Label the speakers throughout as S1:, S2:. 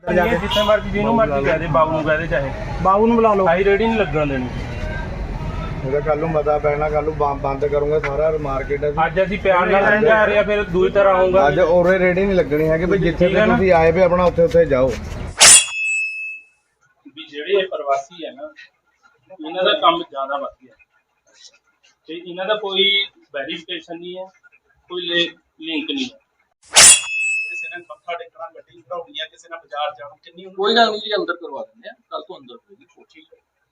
S1: जिथे मर्जी जिन्हों मर्जी कह दे बाबू कह दे चाहे
S2: बाबू ਨੂੰ ਬੁਲਾ ਲਓ।
S1: आई रेडी नहीं लगन देनी।
S3: ਉਹਦਾ ਕੱਲ ਨੂੰ ਮਤਾ ਪੈਣਾ, ਕੱਲ ਨੂੰ ਬੰਦ ਕਰੂੰਗਾ ਸਾਰਾ ਮਾਰਕੀਟ।
S1: ਅੱਜ ਅਸੀਂ ਪਿਆਰ ਨਾਲ ਲੈਣ ਜਾ ਰਹੇ ਆ, ਫਿਰ ਦੂਜੀ ਤਰ੍ਹਾਂ ਆਉਂਗਾ।
S3: ਅੱਜ ਔਰੇ ਰੇਡੀ ਨਹੀਂ ਲੱਗਣੀ ਹੈਗੀ ਵੀ ਜਿੱਥੇ ਤੇ ਤੁਸੀਂ ਆਏ ਵੀ ਆਪਣਾ ਉੱਥੇ ਉੱਥੇ ਜਾਓ।
S1: ਵੀ ਜਿਹੜੇ ਇਹ ਪ੍ਰਵਾਸੀ ਹੈ ਨਾ, ਇਹਨਾਂ ਦਾ ਕੰਮ ਜ਼ਿਆਦਾ ਵਧੀਆ ਤੇ ਇਹਨਾਂ ਦਾ ਕੋਈ ਵੈਰੀਫਿਕੇਸ਼ਨ ਨਹੀਂ ਹੈ, ਕੋਈ ਲਿੰਕ ਨਹੀਂ ਹੈ। ਕਿਸੇ ਨੇ ਮੱਥਾ ਟੇਕਣਾ, ਗੱਡੀ ਘੜਾਉਣੀ ਹੈ, ਕਿਸੇ ਨੇ ਬਾਜ਼ਾਰ ਜਾਣਾ, ਕਿੰਨੀ
S4: ਕੋਈ ਗੱਲ ਨਹੀਂ ਜੀ, ਅੰਦਰ ਕਰਵਾ ਦਿੰਦੇ ਆ, ਕੱਲ ਤੋਂ ਅੰਦਰ ਹੋਏਗੀ ਕੋਠੀ।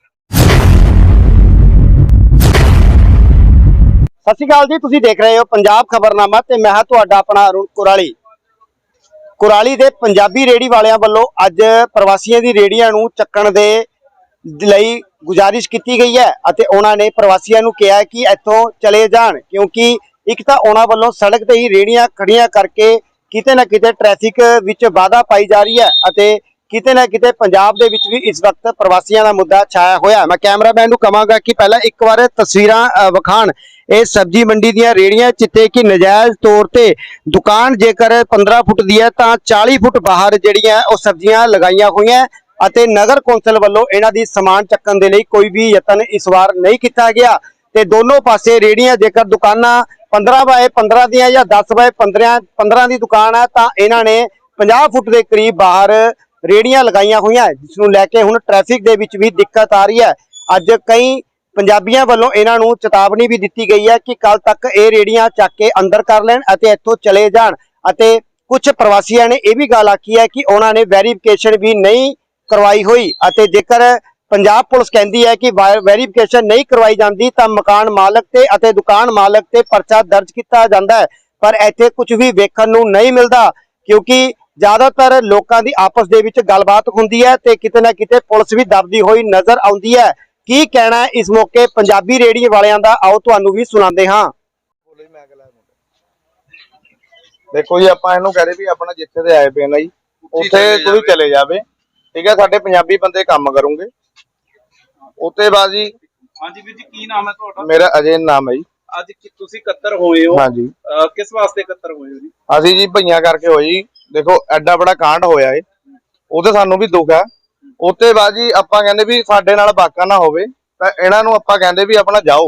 S2: ਸਤਿ ਸ਼੍ਰੀ ਅਕਾਲ ਜੀ, ਤੁਸੀਂ ਦੇਖ ਰਹੇ ਹੋ ਪੰਜਾਬ ਖਬਰਨਾਮਾ ਤੇ ਮੈਂ ਹਾਂ ਤੁਹਾਡਾ ਆਪਣਾ ਅਰੁਣ ਕੁਰਾਲੀ ਦੇ ਪੰਜਾਬੀ ਰੇੜੀ ਵਾਲਿਆਂ ਵੱਲੋਂ ਅੱਜ ਪ੍ਰਵਾਸੀਆਂ ਦੀ ਰੇੜੀਆਂ ਨੂੰ ਚੱਕਣ ਦੇ ਲਈ ਗੁਜ਼ਾਰਿਸ਼ ਕੀਤੀ ਗਈ ਹੈ ਅਤੇ ਉਹਨਾਂ ਨੇ ਪ੍ਰਵਾਸੀਆਂ ਨੂੰ ਕਿਹਾ ਕਿ ਇੱਥੋਂ ਚਲੇ ਜਾਣ, ਕਿਉਂਕਿ ਇੱਕ ਤਾਂ ਉਹਨਾਂ ਵੱਲੋਂ ਸੜਕ ਤੇ ਹੀ ਰੇੜੀਆਂ ਖੜੀਆਂ ਕਰਕੇ ਕਿਤੇ ਨਾ ਕਿਤੇ ਟ੍ਰੈਫਿਕ ਵਿੱਚ ਵਾਧਾ ਪਾਈ ਜਾ ਰਹੀ ਹੈ ਅਤੇ ਕਿਤੇ ਨਾ ਕਿਤੇ ਪੰਜਾਬ ਦੇ ਵਿੱਚ ਵੀ ਇਸ ਵਕਤ ਪ੍ਰਵਾਸੀਆਂ ਦਾ ਮੁੱਦਾ ਛਾਇਆ ਹੋਇਆ। ਮੈਂ ਕੈਮਰਾਮੈਨ ਨੂੰ ਕਹਾਂਗਾ ਕਿ ਪਹਿਲਾਂ ਇੱਕ ਵਾਰ ਤਸਵੀਰਾਂ ਵਿਖਾਣ ਇਹ ਸਬਜ਼ੀ ਮੰਡੀ ਦੀਆਂ ਰੇੜੀਆਂ ਜਿੱਥੇ ਕਿ ਨਜਾਇਜ਼ ਤੌਰ ਤੇ ਦੁਕਾਨ ਜੇਕਰ 15 ਫੁੱਟ ਦੀ ਹੈ ਤਾਂ 40 ਫੁੱਟ ਬਾਹਰ ਜਿਹੜੀਆਂ ਉਹ ਸਬਜ਼ੀਆਂ ਲਗਾਈਆਂ ਹੋਈਆਂ ਅਤੇ ਨਗਰ ਕੌਂਸਲ ਵੱਲੋਂ ਇਹਨਾਂ ਦੀ ਸਮਾਨ ਚੱਕਣ ਦੇ ਲਈ ਕੋਈ ਵੀ ਯਤਨ ਇਸ ਵਾਰ ਨਹੀਂ ਕੀਤਾ ਗਿਆ ਤੇ ਦੋਨੋਂ ਪਾਸੇ ਰੇੜੀਆਂ ਜੇਕਰ ਦੁਕਾਨਾਂ 15 ਬਾਏ 15 ਦੀਆਂ ਜਾਂ 10 ਬਾਏ 15 ਦੀ ਦੁਕਾਨ ਹੈ ਤਾਂ ਇਹਨਾਂ ਨੇ 50 ਫੁੱਟ ਦੇ ਕਰੀਬ ਬਾਹਰ ਰੇੜੀਆਂ ਲਗਾਈਆਂ ਹੋਈਆਂ, ਜਿਸ ਨੂੰ ਲੈ ਕੇ ਹੁਣ ਟ੍ਰੈਫਿਕ ਦੇ ਵਿੱਚ ਵੀ ਦਿੱਕਤ ਆ ਰਹੀ ਹੈ। ਅੱਜ ਕਈ ਪੰਜਾਬੀਆਂ ਵੱਲੋਂ ਇਹਨਾਂ ਨੂੰ ਚੇਤਾਵਨੀ ਵੀ ਦਿੱਤੀ ਗਈ ਹੈ ਕਿ ਕੱਲ ਤੱਕ ਇਹ ਰੇੜੀਆਂ ਚੱਕ ਕੇ ਅੰਦਰ ਕਰ ਲੈਣ ਅਤੇ ਇੱਥੋਂ ਚਲੇ ਜਾਣ ਅਤੇ ਕੁਝ ਪ੍ਰਵਾਸੀਆਂ ਨੇ ਇਹ ਵੀ ਗੱਲ ਆਖੀ ਹੈ ਕਿ ਉਹਨਾਂ ਨੇ ਵੈਰੀਫਿਕੇਸ਼ਨ ਵੀ ਨਹੀਂ ਕਰਵਾਈ ਹੋਈ ਅਤੇ ਜੇਕਰ ਪੰਜਾਬ ਪੁਲਿਸ ਕਹਿੰਦੀ ਹੈ ਕਿ ਵੈਰੀਫਿਕੇਸ਼ਨ ਨਹੀਂ ਕਰਵਾਈ ਜਾਂਦੀ ਤਾਂ ਮਕਾਨ ਮਾਲਕ ਤੇ ਅਤੇ ਦੁਕਾਨ ਮਾਲਕ ਤੇ ਪਰਚਾ ਦਰਜ ਕੀਤਾ ਜਾਂਦਾ ਹੈ, ਪਰ ਇੱਥੇ ਕੁਝ ਵੀ ਵੇਖਣ ਨੂੰ ਨਹੀਂ ਮਿਲਦਾ ਕਿਉਂਕਿ ਜ਼ਿਆਦਾਤਰ ਲੋਕਾਂ ਦੀ ਆਪਸ ਦੇ ਵਿੱਚ ਗੱਲਬਾਤ ਹੁੰਦੀ ਹੈ ਤੇ ਕਿਤੇ ਨਾ ਕਿਤੇ ਪੁਲਿਸ ਵੀ ਦਬਦੀ ਹੋਈ ਨਜ਼ਰ ਆਉਂਦੀ ਹੈ। ਕੀ ਕਹਿਣਾ ਹੈ ਇਸ ਮੌਕੇ ਪੰਜਾਬੀ ਰੇੜੀ ਵਾਲਿਆਂ ਦਾ, ਆਓ ਤੁਹਾਨੂੰ ਵੀ ਸੁਣਾਉਂਦੇ ਹਾਂ।
S3: ਦੇਖੋ ਜੀ, ਆਪਾਂ ਇਹਨੂੰ ਕਹਦੇ ਵੀ ਆਪਣਾ ਜਿੱਥੇ ਤੇ ਆਏ ਪਏ ਨਾ ਜੀ ਉੱਥੇ ਕੋਈ ਚਲੇ ਜਾਵੇ, ਠੀਕ ਹੈ। ਸਾਡੇ ਪੰਜਾਬੀ ਬੰਦੇ ਕੰਮ ਕਰੂੰਗੇ ਉੱਤੇ ਬਾਅਦ ਜੀ।
S4: ਹਾਂਜੀ ਵੀਰ ਜੀ, ਕੀ ਨਾਮ ਹੈ ਤੁਹਾਡਾ?
S3: ਮੇਰਾ ਅਜੇ ਨਾਮ ਹੈ ਜੀ।
S4: ਅੱਜ ਤੁਸੀਂ ਇਕੱਤਰ ਹੋਏ ਹੋ?
S3: ਹਾਂਜੀ।
S4: ਕਿਸ ਵਾਸਤੇ ਇਕੱਤਰ ਹੋਏ ਹੋ ਜੀ?
S3: ਅਸੀਂ ਜੀ ਭਈਆਂ ਕਰਕੇ ਹੋਈ ਜੀ। ਦੇਖੋ ਐਡਾ ਬੜਾ ਕਾਂਡ ਹੋਇਆ ਏ, ਉਹਦੇ ਸਾਨੂੰ ਵੀ ਦੁੱਖ ਹੈ। ਉੱਤੇ ਬਾਅਦ ਜੀ ਆਪਾਂ ਕਹਿੰਦੇ ਵੀ ਸਾਡੇ ਨਾਲ ਵਾਕਾ ਨਾ ਹੋਵੇ ਤਾਂ ਇਹਨਾਂ ਨੂੰ ਆਪਾਂ ਕਹਿੰਦੇ ਵੀ ਆਪਣਾ ਜਾਓ।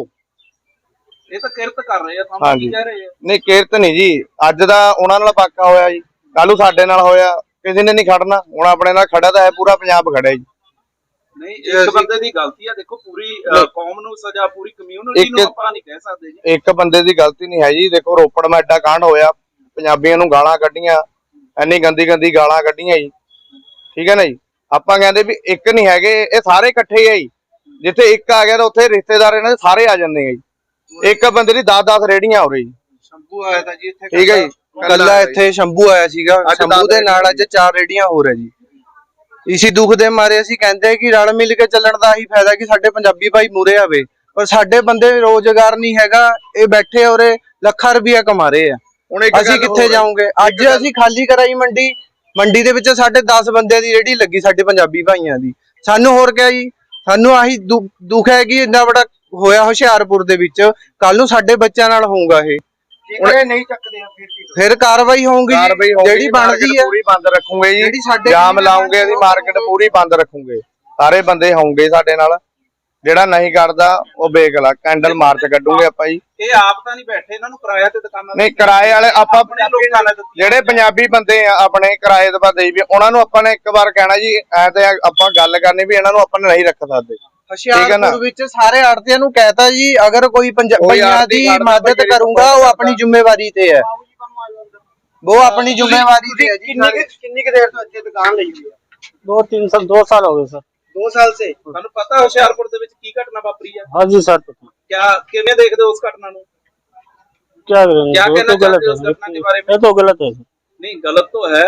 S4: ਇਹ ਤਾਂ ਕਿਰਤ ਕਰ ਰਹੇ ਆ, ਤੁਹਾਨੂੰ ਕੀ ਕਹਿ ਰਹੇ ਆ?
S3: ਨਹੀਂ, ਕਿਰਤ ਨਹੀਂ ਜੀ, ਅੱਜ ਦਾ ਉਹਨਾਂ ਨਾਲ ਵਾਕਾ ਹੋਇਆ ਜੀ, ਕੱਲ ਨੂੰ ਸਾਡੇ ਨਾਲ ਹੋਇਆ, ਕਿਸੇ ਨੇ ਨਹੀਂ ਖੜਨਾ। ਹੁਣ ਆਪਣੇ ਨਾਲ ਖੜਾ ਤਾਂ ਹੈ, ਪੂਰਾ ਪੰਜਾਬ ਖੜਾ ਜੀ।
S4: ਨਹੀਂ, ਇੱਕ ਬੰਦੇ ਦੀ ਗਲਤੀ ਆ, ਦੇਖੋ ਪੂਰੀ ਕੌਮ ਨੂੰ ਸਜ਼ਾ, ਪੂਰੀ ਕਮਿਊਨਿਟੀ ਨੂੰ ਆਪਾਂ ਨਹੀਂ ਕਹਿ ਸਕਦੇ ਜੀ।
S3: ਇੱਕ ਬੰਦੇ ਦੀ ਗਲਤੀ ਨਹੀਂ ਹੈ ਜੀ। ਦੇਖੋ ਰੋਪੜ ਮੈਂ ਐਡਾ ਕਾਂਡ ਹੋਇਆ, ਪੰਜਾਬੀਆਂ ਨੂੰ ਗਾਲਾਂ ਕੱਢੀਆਂ, ਇੰਨੀ ਗੰਦੀ ਗੰਦੀ ਗਾਲਾਂ ਕੱਢੀਆਂ ਜੀ, ਠੀਕ ਹੈ ਨਾ ਜੀ। ਆਪਾਂ ਕਹਿੰਦੇ ਵੀ ਇੱਕ ਨਹੀਂ ਹੈਗੇ, ਇਹ ਸਾਰੇ ਇਕੱਠੇ ਆ ਜੀ। ਜਿੱਥੇ ਇੱਕ ਆ ਗਿਆ ਤਾਂ ਉੱਥੇ ਰਿਸ਼ਤੇਦਾਰ ਇਹਨਾਂ ਦੇ ਸਾਰੇ ਆ ਜਾਂਦੇ ਆ ਜੀ। ਇੱਕ ਬੰਦੇ ਦੀ 10-10 ਰੇੜੀਆਂ ਹੋ ਰਹੀ ਜੀ।
S4: ਸ਼ੰਭੂ ਆਇਆ ਤਾਂ ਜੀ ਇੱਥੇ,
S3: ਠੀਕ ਹੈ ਜੀ।
S5: ਕੱਲਾ ਇੱਥੇ ਸ਼ੰਭੂ ਆਇਆ ਸੀਗਾ, ਸ਼ੰਭੂ ਦੇ ਨਾਲ ਅੱਜ 4 ਰੇੜੀਆਂ ਹੋਰ ਹੈ ਜੀ। ਇਸੀ ਦੁੱਖ ਦੇ ਮਾਰੇ ਅਸੀਂ ਕਹਿੰਦੇ ਕਿ ਰਲ ਮਿਲ ਕੇ ਚੱਲਣ ਦਾ ਹੀ ਫਾਇਦਾ ਕਿ ਸਾਡੇ ਪੰਜਾਬੀ ਭਾਈ ਮੂਰੇ ਆਵੇ, ਪਰ ਸਾਡੇ ਬੰਦੇ ਰੋਜ਼ਗਾਰ ਨਹੀਂ ਹੈਗਾ, ਇਹ ਬੈਠੇ ਔਰੇ ਲੱਖਾਂ ਰੁਪਇਆ ਕਮਾ ਰਹੇ ਆ। ਅਸੀਂ ਕਿੱਥੇ ਜਾਵਾਂਗੇ? ਅੱਜ ਅਸੀਂ ਖਾਲੀ ਕਰਾਈ ਮੰਡੀ ਦੇ ਵਿੱਚ ਸਾਡੇ 10 ਬੰਦਿਆਂ ਦੀ ਰੇੜੀ ਲੱਗੀ, ਸਾਡੇ ਪੰਜਾਬੀ ਭਾਈਆਂ ਦੀ। ਸਾਨੂੰ ਹੋਰ ਕਿਆ ਜੀ, ਸਾਨੂੰ ਆਹੀ ਦੁੱਖ ਹੈ ਕਿ ਇੰਨਾ ਬੜਾ ਹੋਇਆ ਹੁਸ਼ਿਆਰਪੁਰ ਦੇ ਵਿੱਚ, ਕੱਲ ਨੂੰ ਸਾਡੇ ਬੱਚਿਆਂ ਨਾਲ ਹੋਊਗਾ ਇਹ।
S2: ਨਹੀਂ ਚੱਕਦੇ
S5: ਫਿਰ ਕਾਰਵਾਈ ਹੋਊਗੀ ਜਿਹੜੀ ਬਣਦੀ ਹੈ,
S3: ਪੂਰੀ ਬੰਦ ਰੱਖੂਗੇ ਜੀ। ਜਾਮ ਲਾਉਂਗੇ, ਅਸੀਂ ਮਾਰਕੀਟ ਪੂਰੀ ਬੰਦ ਰੱਖੂਗੇ, ਸਾਰੇ ਬੰਦੇ ਹੋਣਗੇ ਸਾਡੇ ਨਾਲ। ਜਿਹੜਾ ਨਹੀਂ ਕਰਦਾ ਉਹ ਬੇਗਲਾ ਕੈਂਡਲ ਮਾਰਚ ਕੱਢੂਗੇ ਆਪਾਂ ਜੀ।
S4: ਇਹ ਆਪ ਤਾਂ ਨਹੀਂ ਬੈਠੇ, ਇਹਨਾਂ ਨੂੰ ਕਿਰਾਇਆ ਤੇ ਦੁਕਾਨਾਂ
S3: ਨਹੀਂ, ਕਿਰਾਏ ਵਾਲੇ ਆਪਾਂ ਜਿਹੜੇ ਪੰਜਾਬੀ ਬੰਦੇ ਆ ਆਪਣੇ ਕਿਰਾਏ ਤੇ ਦੇਈ ਵੀ, ਉਹਨਾਂ ਨੂੰ ਆਪਾਂ ਨੇ ਇੱਕ ਵਾਰ ਕਹਿਣਾ ਜੀ ਐ ਤੇ ਆਪਾਂ ਗੱਲ ਕਰਨੀ ਵੀ ਇਹਨਾਂ ਨੂੰ ਆਪਾਂ ਨਹੀਂ ਰੱਖ ਸਕਦੇ।
S5: ਹੁਸ਼ਿਆਰਪੁਰ ਵਿੱਚ ਸਾਰੇ ਆੜਤੀਆਂ ਨੂੰ ਕਹਿਤਾ ਜੀ, ਅਗਰ ਕੋਈ ਪੰਜਾਬੀਆਂ ਦੀ ਮਦਦ ਕਰੂੰਗਾ ਉਹ ਆਪਣੀ ਜ਼ਿੰਮੇਵਾਰੀ ਤੇ ਹੈ, ਉਹ ਆਪਣੀ ਜ਼ਿੰਮੇਵਾਰੀ ਤੇ ਹੈ ਜੀ।
S2: ਕਿੰਨੀ ਕੁ ਦੇਰ ਤੋਂ ਇੱਥੇ ਦੁਕਾਨ ਲਈ ਹੋਈ ਹੈ?
S1: 2 ਸਾਲ ਹੋ ਗਏ ਸਰ।
S2: 2 ਸਾਲ से।
S4: ਤੁਹਾਨੂੰ ਪਤਾ ਹੁਸ਼ਿਆਰਪੁਰ ਦੇ ਵਿੱਚ ਕੀ ਘਟਨਾ ਵਾਪਰੀ ਹੈ?
S1: हाँ जी सर, पता।
S4: ਕਿਵੇਂ ਦੇਖਦੇ ਹੋ ਉਸ ਘਟਨਾ ਨੂੰ?
S1: क्या करेंगे,
S4: क्या
S1: वो
S4: कहना
S1: तो गलत
S4: चाहते हो उस
S1: है,
S4: घटना के बारे में?
S1: ये तो गलत है।
S4: नहीं, गलत तो है।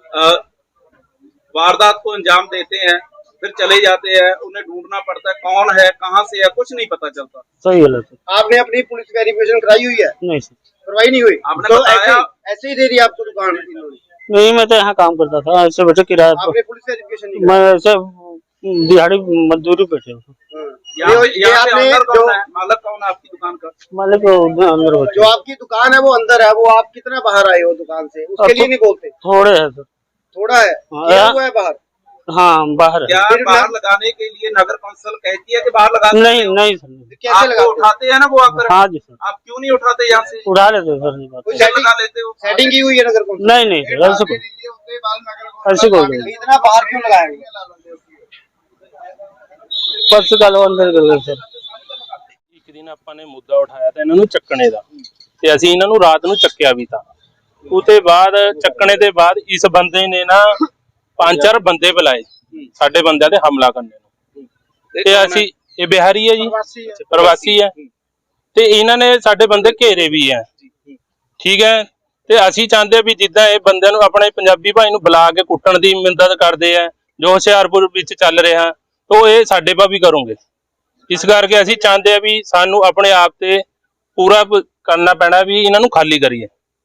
S4: वारदात को अंजाम देते हैं, फिर चले जाते हैं, उन्हें ढूंढना पड़ता है कौन है, कहाँ से है, कुछ नहीं पता चलता।
S1: सही गलत है।
S2: आपने अपनी पुलिस वेरिफिकेशन कराई हुई है?
S1: नहीं सर,
S2: करवाई नहीं हुई?
S4: आपने
S2: तो
S4: बताया
S2: ऐसे ही दे दी आपको दुकान इन्होंने?
S1: नहीं, मैं तो यहाँ काम करता था, ऐसे बैठे किराया पर।
S2: आपने पुलिस वेरिफिकेशन नहीं
S1: मैं ऐसे दिहाड़ी मजदूरी बैठे हूँ।
S4: यहाँ पे
S2: आपने
S4: अंदर
S2: जो
S4: कौन है, मालिक कौन है आपकी दुकान का?
S1: मालिक अंदर बैठे।
S2: जो आपकी दुकान है वो अंदर है, वो आप कितना बाहर आए हो दुकान से, उसके लिए नहीं बोलते?
S1: थोड़े है सर।
S2: थोड़ा है, किया हुआ है बाहर।
S6: हाँ बाहर है।
S4: क्या बाहर लगाने के लिए नगर कौंसिल कहती है कि बाहर लगा सकते
S6: नहीं
S4: हो?
S6: नहीं सर,
S2: कैसे
S4: आपको
S2: लगाते हो?
S4: उठाते हैं ना वो आकर,
S6: हाँ जी सर,
S4: आप क्यों नहीं उठाते यहाँ से?
S6: उड़ा लेते सर ये बात।
S2: कोई
S4: क्या लगा लेते हो?
S2: सेटिंग की हुई है नगर कौंसिल?
S6: नहीं नहीं सर, ऐसे ऐसे कोई नहीं,
S2: इतना बाहर क्यों लगाया गया?
S6: बस गल अंदर कर गए सर।
S1: ਇੱਕ ਦਿਨ ਆਪਾਂ ਨੇ ਮੁੱਦਾ ਉਠਾਇਆ ਤਾਂ ਇਹਨਾਂ ਨੂੰ ਚੱਕਣੇ ਦਾ, ਤੇ ਅਸੀਂ ਇਹਨਾਂ ਨੂੰ ਰਾਤ ਨੂੰ ਚੱਕਿਆ ਵੀ ਤਾਂ। ਉਹਦੇ ਬਾਅਦ ਚੱਕਣੇ ਦੇ ਬਾਅਦ ਇਸ ਬੰਦੇ ਨੇ ਨਾ 5-4 ਬੰਦੇ ਬੁਲਾਏ ਸਾਡੇ ਬੰਦਿਆਂ ਤੇ ਹਮਲਾ ਕਰਨ ਨੂੰ, ਤੇ ਅਸੀਂ ਇਹ ਬਿਹਾਰੀ ਹੈ ਜੀ, ਪ੍ਰਵਾਸੀ ਹੈ, ਤੇ ਇਹਨਾਂ ਨੇ ਸਾਡੇ ਬੰਦੇ ਘੇਰੇ ਵੀ ਹੈ, ਠੀਕ ਹੈ। ਤੇ ਅਸੀਂ ਚਾਹੁੰਦੇ ਆ ਵੀ ਜਿੱਦਾਂ ਇਹ ਬੰਦਿਆਂ ਨੂੰ ਆਪਣੇ ਪੰਜਾਬੀ ਭਾਈ ਨੂੰ ਬੁਲਾ ਕੇ ਕੁੱਟਣ ਦੀ ਮਿੰਨਤ ਕਰਦੇ ਆ ਜੋ ਹੁਸ਼ਿਆਰਪੁਰ ਵਿੱਚ ਚੱਲ ਰਿਹਾ, तो ये साडे पा भी करोगे। इस करके असीं चाहते हैं भी सानू अपने आप ते पूरा करना पैना भी इन्हां नू खाली करिए।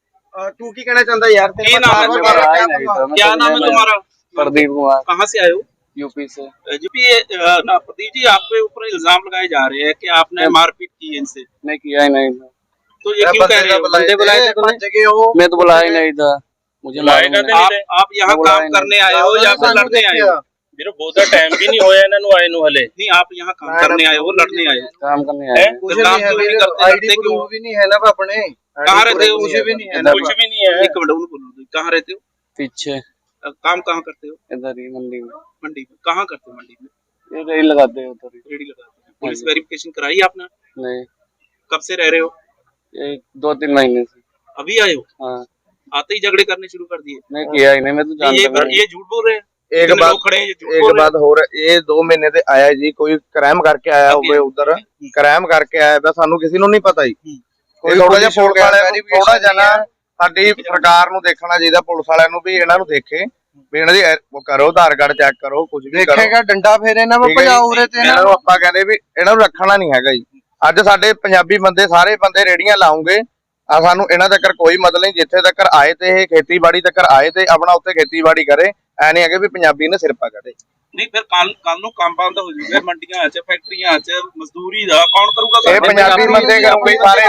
S2: तू की कहना चाहता है यार?
S4: क्या नाम है तुम्हारा? क्या नाम है तुम्हारा?
S5: प्रदीप कुमार,
S4: कहाँ से आए हो?
S5: यूपी से।
S4: जी प्रदीप जी, आपके ऊपर इल्जाम लगाए जा रहे हैं कि आपने मारपीट की है इनसे।
S5: नहीं किया ही नहीं था।
S4: तो ये क्यों कह रहे हो?
S5: बंदे बुलाए थे तुमने? मैं तो बुलाया ही नहीं था, मुझे मालूम नहीं।
S4: आप यहाँ काम करने आए हो या फिर लड़ने आए हो?
S1: मेरे बहुत टाइम भी नहीं होया इन्हां नू आए नू हले।
S4: नहीं, आप यहाँ काम करने आए हो, लड़ने आए हो?
S5: काम करने आए।
S4: तो काम क्यों नहीं करते?
S5: आईडी प्रूफ भी नहीं है ना अपने।
S4: कहाँ रहते हो?
S5: कुछ भी नहीं है ना।
S1: कुछ भी नहीं है।
S4: एक मिनट उनको बोलो, कहाँ रहते हो?
S5: पीछे
S4: काम कहाँ करते हो?
S5: इधर ही मंडी में।
S4: मंडी में। कहाँ करते हो मंडी में?
S5: ये रेल लगाते हैं उधर ही।
S4: रेडी लगाते हैं। पुलिस वेरिफिकेशन कराई आपने?
S5: नहीं,
S4: कब से रह रहे हो?
S5: ये 2-3 महीने से।
S4: अभी आए हो?
S5: हाँ,
S4: आते ही झगड़े करने शुरू कर दिए?
S5: नहीं किया ही नहीं, मैं तो जानता नहीं।
S4: ये झूठ बोल रहे हैं।
S3: एक
S4: इतने
S3: बात
S4: लोग खड़े हैं, ये झूठ
S3: एक
S4: बोल रहे हैं।
S3: बात हो रहा, ये 2 महीने ਤੇ ਆਇਆ ਜੀ, ਕੋਈ ਕ੍ਰਾਈਮ ਕਰਕੇ ਆਇਆ ਹੋਵੇ ਉਧਰ, ਕ੍ਰਾਈਮ ਕਰਕੇ ਆਇਆ ਵਾ, ਸਾਨੂੰ ਕਿਸੇ ਨੂੰ ਨਹੀਂ ਪਤਾ ਜੀ। ਕੋਈ ਥੋੜਾ ਜਿਹਾ ਪੁਲਿਸ ਵਾਲਿਆਂ ਨੂੰ ਥੋੜਾ ਜਿਹਾ ਨਾ ਸਾਡੀ ਸਰਕਾਰ ਨੂੰ ਦੇਖਣਾ ਚਾਹੀਦਾ, ਪੁਲਿਸ ਵਾਲਿਆਂ ਨੂੰ ਵੀ ਇਹਨਾਂ ਨੂੰ ਦੇਖੇ ਵੀ ਇਹਨਾਂ ਦੀ ਉਹ ਕਰੋ, ਆਧਾਰ ਕਾਰਡ ਚੈੱਕ ਕਰੋ, ਕੁਝ ਵੀ ਕਰੋ।
S5: ਦੇਖੇਗਾ ਡੰਡਾ ਫੇਰੇ ਨਾ
S3: ਠੀਕ ਹੈ ਜੀ।
S5: ਭਜਾਉ ਉਰੇ ਤੇ
S3: ਇਹਨਾਂ ਨੂੰ ਆਪਾਂ ਕਹਿੰਦੇ ਵੀ ਇਹਨਾਂ ਨੂੰ ਰੱਖਣਾ ਨਹੀਂ ਹੈਗਾ ਜੀ। ਅੱਜ ਸਾਡੇ ਪੰਜਾਬੀ ਬੰਦੇ ਸਾਰੇ ਬੰਦੇ ਰੇੜੀਆਂ ਲਾਉਂਗੇ, ਆ ਸਾਨੂੰ ਇਹਨਾਂ ਤੱਕ ਕੋਈ ਮਤਲਬ ਨਹੀਂ, ਜਿੱਥੇ ਤੱਕ ਆਏ ਤੇ ਇਹ ਖੇਤੀਬਾੜੀ ਤੱਕ ਆਏ ਤੇ ਆਪਣਾ ਉੱਥੇ ਖੇਤੀਬਾੜੀ ਕਰੇ, ਐ ਨਹੀਂ ਹੈਗੇ ਵੀ ਪੰਜਾਬੀ ਨੇ ਸਿਰ ਪਾ ਕੱਢੇ।
S4: ਨਹੀਂ ਫਿਰ ਕੱਲ ਨੂੰ ਕੰਮ ਬੰਦ ਹੋ ਜੂਗਾ ਮੰਡੀਆਂ 'ਚ, ਫੈਕਟਰੀਆਂ 'ਚ, ਮਜ਼ਦੂਰੀ ਦਾ ਕੌਣ ਕਰੂਗਾ?
S3: ਇਹ ਪੰਜਾਬੀ ਬੰਦੇ ਕਰੂਗੇ ਸਾਰੇ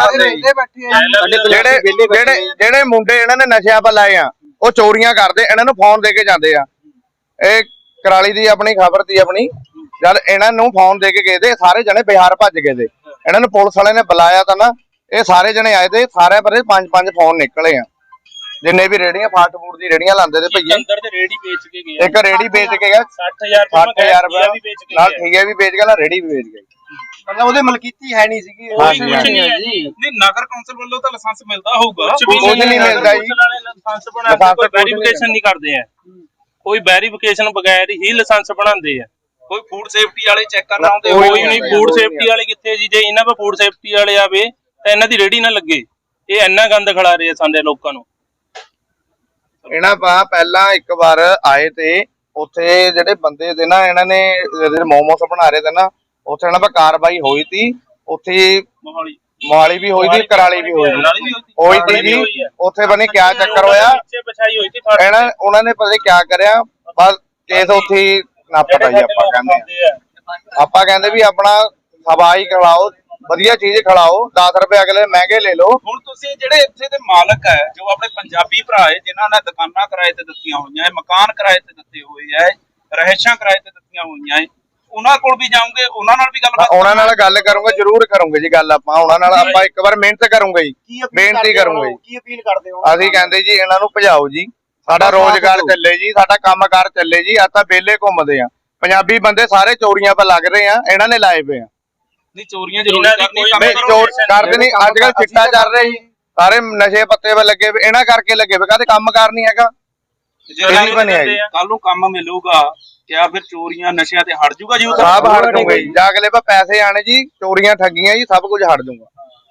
S3: ਬੰਦੇ। ਜਿਹੜੇ ਮੁੰਡੇ ਇਹਨਾਂ ਨੇ ਨਸ਼ਿਆਂ 'ਤੇ ਲਾਏ ਆ, ਉਹ ਚੋਰੀਆਂ ਕਰਦੇ, ਇਹਨਾਂ ਨੂੰ ਫੋਨ ਦੇ ਕੇ ਜਾਂਦੇ ਆ। ਇਹ ਕਰਾਲੀ ਦੀ ਆਪਣੀ ਖਬਰ ਦੀ ਆਪਣੀ, ਜਦ ਇਹਨਾਂ ਨੂੰ ਫੋਨ ਦੇ ਕੇ ਗਏ ਤੇ ਸਾਰੇ ਜਣੇ ਬਿਹਾਰ ਭੱਜ ਗਏ ਤੇ ਇਹਨਾਂ ਨੂੰ ਪੁਲਿਸ ਵਾਲਿਆਂ ਨੇ ਬੁਲਾਇਆ ਤਾਂ ਨਾ, ਇਹ ਸਾਰੇ ਜਣੇ ਆਏ ਤੇ ਸਾਰਿਆਂ ਪਰ 5-5 ਫੋਨ ਨਿਕਲੇ ਆ, ਜਿੰਨੇ ਵੀ ਰੇੜੀਆਂ ਫਾਸਟ ਫੂਡ ਦੀ ਰੇੜੀਆਂ ਲਾਉਂਦੇ ਤੇ ਭਈਏ।
S1: ਅੰਦਰ ਤੇ ਰੇੜੀ ਵੇਚ ਕੇ ਗਿਆ,
S3: ਇੱਕ ਰੇੜੀ ਵੇਚ ਕੇ ਗਿਆ
S1: 60,000
S3: ਰੁਪਏ
S1: ਵੀ ਵੇਚ ਕੇ
S3: ਨਾਲ,
S1: ਗਿਆ।
S3: ਠੀਕ ਹੈ ਵੀ ਵੇਚ ਗਿਆ, ਨਾਲ ਰੇੜੀ ਵੀ ਵੇਚ ਗਿਆ।
S2: मतलब ਉਹਦੇ ਮਲਕੀਤੀ ਹੈ ਨਹੀਂ ਸੀਗੀ।
S1: ਕੁਛ ਨਹੀਂ ਹੈ ਜੀ।
S4: ਨਹੀਂ, ਨਗਰ ਕੌਂਸਲ ਵੱਲੋਂ ਤਾਂ ਲਾਇਸੈਂਸ ਮਿਲਦਾ ਹੋਊਗਾ।
S1: ਕੁਛ ਵੀ
S3: ਨਹੀਂ ਮਿਲਦਾ ਜੀ।
S1: ਲਾਇਸੈਂਸ ਬਣਾ ਕੇ ਕੋਈ ਵੈਰੀਫਿਕੇਸ਼ਨ ਨਹੀਂ ਕਰਦੇ ਆ, ਕੋਈ ਵੈਰੀਫਿਕੇਸ਼ਨ ਬਗੈਰ ਹੀ ਲਾਇਸੈਂਸ ਬਣਾਉਂਦੇ ਆ।
S4: ਕੋਈ ਫੂਡ ਸੇਫਟੀ ਵਾਲੇ ਚੈੱਕ ਕਰਨ ਆਉਂਦੇ?
S1: ਕੋਈ ਨਹੀਂ। ਫੂਡ ਸੇਫਟੀ ਵਾਲੇ ਕਿੱਥੇ ਜੀ? ਜੇ ਇਹਨਾਂ 'ਤੇ ਫੂਡ ਸੇਫਟੀ ਵਾਲੇ ਆਵੇ ਤਾਂ ਇਹਨਾਂ ਦੀ ਰੇੜੀ ਨਾ ਲੱਗੇ। ਇਹ ਇੰਨਾ ਗੰਦ ਖਿਲਾ ਰਹੇ ਆ ਸਾਡੇ ਲੋਕਾਂ ਨੂੰ।
S3: ਇਹਨਾਂ ਪਾ ਪਹਿਲਾਂ ਇੱਕ ਵਾਰ ਆਏ ਤੇ ਉੱਥੇ ਜਿਹੜੇ ਬੰਦੇ ਤੇ ਨਾ ਇਹਨਾਂ ਨੇ ਜਿਹੜੇ ਮੋਮੋਸ ਬਣਾ ਰਹੇ ਤੇ ਨਾ, ਉੱਥੇ ਇਹਨਾਂ ਪਾ ਕਾਰਵਾਈ ਹੋਈ ਤੀ। ਉੱਥੇ ਮੋਹਾਲੀ ਵੀ ਹੋਈ ਤੀ, ਕਰਾਲੀ ਵੀ ਹੋਈ ਤੀ ਜੀ। ਉੱਥੇ ਬਣੇ ਕਿਆ ਚੱਕਰ ਹੋਇਆ, ਉਹਨਾਂ ਨੇ ਪਤਾ ਨੀ ਕਿਆ ਕਰਿਆ, ਬਸ ਕੇਸ ਉੱਥੇ ਹੀ ਨੱਪਤਾ ਜੀ। ਆਪਾਂ ਕਹਿੰਦੇ ਵੀ ਆਪਣਾ ਹਵਾਈ ਖਿਲਾਓ, ਵਧੀਆ ਚੀਜ਼ ਖਿਲਾਓ, 10 ਰੁਪਏ ਅਗਲੇ ਮਹਿੰਗੇ ਲੈ ਲਓ।
S4: ਹੁਣ ਤੁਸੀਂ ਜਿਹੜੇ ਇੱਥੇ ਦੇ ਮਾਲਕ ਹੈ, ਜੋ ਆਪਣੇ ਪੰਜਾਬੀ ਭਰਾ ਹੈ, ਜਿਨ੍ਹਾਂ ਨੇ ਦੁਕਾਨਾਂ ਕਿਰਾਏ ਤੇ ਦਿੱਤੀਆਂ ਹੋਈਆਂ ਹੈ, ਮਕਾਨ ਕਿਰਾਏ ਤੇ ਦਿੱਤੇ ਹੋਏ ਹੈ, ਰਹਿਸ਼ਾਂ ਕਿਰਾਏ ਤੇ ਦਿੱਤੀਆਂ ਹੋਈਆਂ ਹੈ, ਉਹਨਾਂ ਕੋਲ ਵੀ ਜਾਓਗੇ, ਉਹਨਾਂ ਨਾਲ ਵੀ ਗੱਲਬਾਤ?
S3: ਉਹਨਾਂ ਨਾਲ ਗੱਲ ਕਰੂੰਗੇ, ਜ਼ਰੂਰ ਕਰੂੰਗੇ ਜੀ ਗੱਲ। ਆਪਾਂ ਉਹਨਾਂ ਨਾਲ ਆਪਾਂ ਇੱਕ ਵਾਰ ਮਿਹਨਤ ਕਰੂੰਗੇ ਜੀ, ਬੇਨਤੀ ਕਰੂੰਗੇ।
S2: ਕੀ ਅਪੀਲ ਕਰਦੇ ਹੋ?
S3: ਅਸੀਂ ਕਹਿੰਦੇ ਜੀ ਇਹਨਾਂ ਨੂੰ ਭਜਾਓ ਜੀ, ਸਾਡਾ ਰੋਜ਼ਗਾਰ ਚੱਲੇ ਜੀ, ਸਾਡਾ ਕੰਮਕਾਰ ਚੱਲੇ ਜੀ। ਆ ਤਾਂ ਵਿਹਲੇ ਘੁੰਮਦੇ ਆ, ਪੰਜਾਬੀ ਬੰਦੇ ਸਾਰੇ ਚੋਰੀਆਂ 'ਤੇ ਲੱਗ ਰਹੇ ਆ, ਇਹਨਾਂ ਨੇ ਲਾਏ ਪਏ ਆ।
S4: ਨਹੀਂ, ਚੋਰੀਆਂ ਜ਼ਰੂਰ ਕਰਨੀ,
S3: ਚੋਰ ਕਰਦੇ ਨਹੀਂ। ਅੱਜ ਕੱਲ ਚਿੱਟਾ ਚੱਲ ਰਿਹਾ ਜੀ, ਸਾਰੇ ਨਸ਼ੇ ਪੱਤੇ 'ਤੇ ਲੱਗੇ ਪਏ, ਇਹਨਾਂ ਕਰਕੇ ਲੱਗੇ ਪਏ, ਕਦੇ ਕੰਮਕਾਰ ਨਹੀਂ ਹੈਗਾ।
S4: ਕੱਲ ਨੂੰ ਕੰਮ ਮਿਲੂਗਾ ਕਿਆ ਫਿਰ ਚੋਰੀਆਂ ਨਸ਼ਿਆਂ ਤੇ ਹਟ ਜੂਗਾ ਜੀ?
S3: ਸਭ ਹਟ ਜੂਗਾ ਜੀ, ਜਾ ਅਗਲੇ ਪਾ ਪੈਸੇ ਆਣੇ ਜੀ, ਚੋਰੀਆਂ ਠੱਗੀਆਂ ਜੀ, ਸਭ ਕੁਝ ਹਟ ਜੂਗਾ।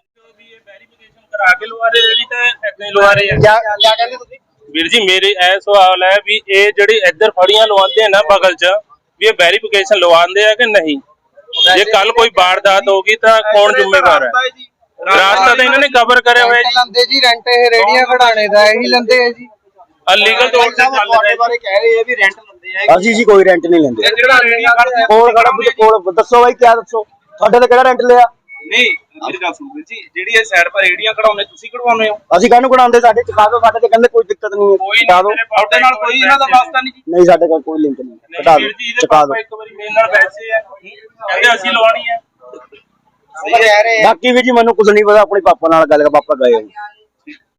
S1: ਕਰਾ ਕੇ ਲਵਾ ਰਹੇ ਰੇੜੀ ਤਾਂ ਏਦਾਂ ਹੀ ਲਵਾ ਰਹੇ ਆ।
S2: ਕਿਆ ਕਹਿੰਦੇ ਤੁਸੀਂ?
S1: ਵੀਰ ਜੀ ਮੇਰੇ ਇਹ ਸਵਾਲ ਹੈ ਵੀ ਇਹ ਜਿਹੜੀ ਇੱਧਰ ਫੜੀਆਂ ਲਵਾਉਂਦੇ ਆ ਨਾ ਬਗਲ 'ਚ, ਵੀ ਇਹ ਵੈਰੀਫਿਕੇਸ਼ਨ ਲਵਾਉਂਦੇ ਆ ਕਿ ਨਹੀਂ? ਜੇ ਕੱਲ ਕੋਈ ਵਾਰਦਾਤ ਹੋਗੀ ਤਾਂ ਕੌਣ ਜ਼ਿੰਮੇਵਾਰ ਹੈ? ਰਾਸਤਾ ਤਾਂ ਇਹਨਾਂ ਨੇ ਕਵਰ ਕਰਿਆ ਹੋਇਆ ਜੀ।
S5: ਲੰਦੇ ਜੀ ਰੈਂਟ, ਇਹ ਰੇੜੀਆਂ ਖੜਾਣੇ ਦਾ ਇਹੀ ਲੰਦੇ ਹੈ ਜੀ।
S1: ਅਲੀਗਲ ਤੌਰ ਤੇ ਚੱਲ ਰਿਹਾ
S2: ਤੁਹਾਡੇ ਬਾਰੇ ਕਹਿ ਰਹੇ ਆ ਵੀ ਰੈਂਟ ਲੈਂਦੇ ਆ। ਅਸੀਂ ਜੀ ਕੋਈ ਰੈਂਟ ਨਹੀਂ ਲੈਂਦੇ।
S4: ਜਿਹੜਾ ਰੇੜੀਆਂ ਖੜਦੇ
S2: ਕੋਲ ਦੱਸੋ ਬਾਈ, ਕਿਆ ਦੱਸੋ ਤੁਹਾਡੇ ਤੇ ਕਿਹੜਾ ਰੈਂਟ ਲਿਆ?
S4: ਨਹੀਂ, ਮੇਰੀ ਗੱਲ ਸੁਣੋ ਜੀ, ਜਿਹੜੀ ਇਹ ਸਾਈਡ ਪਰ ਰੇੜੀਆਂ ਕਢਾਉਂਦੇ ਤੁਸੀਂ ਕਢਵਾਉਂਦੇ ਹੋ?
S2: ਅਸੀਂ ਕਾਹਨੂੰ ਕਢਾਉਂਦੇ, ਸਾਡੇ ਚੁਕਾ ਦਿਓ, ਸਾਡੇ ਤੇ ਕਹਿੰਦੇ ਕੋਈ ਦਿੱਕਤ ਨਹੀਂ ਹੈ,
S4: ਕੋਈ
S2: ਚੁਕਾ ਦਿਓ।
S4: ਨਹੀਂ, ਤੁਹਾਡੇ ਨਾਲ ਕੋਈ ਇਹਨਾਂ ਦਾ ਵਾਸਤਾ ਨਹੀਂ ਜੀ।
S2: ਨਹੀਂ ਸਾਡੇ ਕੋਲ ਕੋਈ ਲਿੰਕ ਨਹੀਂ,
S1: ਨਹੀਂ
S2: ਕਢਾ
S1: ਵੀਰ
S2: ਦਿਓ,
S1: ਜੀ, ਇਹਦੇ
S2: ਚੁਕਾ
S1: ਪਾਪਾ
S2: ਦਿਓ।
S1: ਇੱਕ ਵਾਰੀ ਮੇਰੇ ਨਾਲ ਬੈਠੇ ਆ, ਕਹਿੰਦੇ ਅਸੀਂ ਲਵਾਉਣੀ ਹੈ।
S2: ਬਾਕੀ ਵੀ ਜੀ ਮੈਨੂੰ ਕੁਝ ਨਹੀਂ ਪਤਾ, ਆਪਣੇ ਪਾਪਾ ਨਾਲ ਗੱਲ ਕਰ, ਪਾਪਾ ਗਏ ਹੋਏ।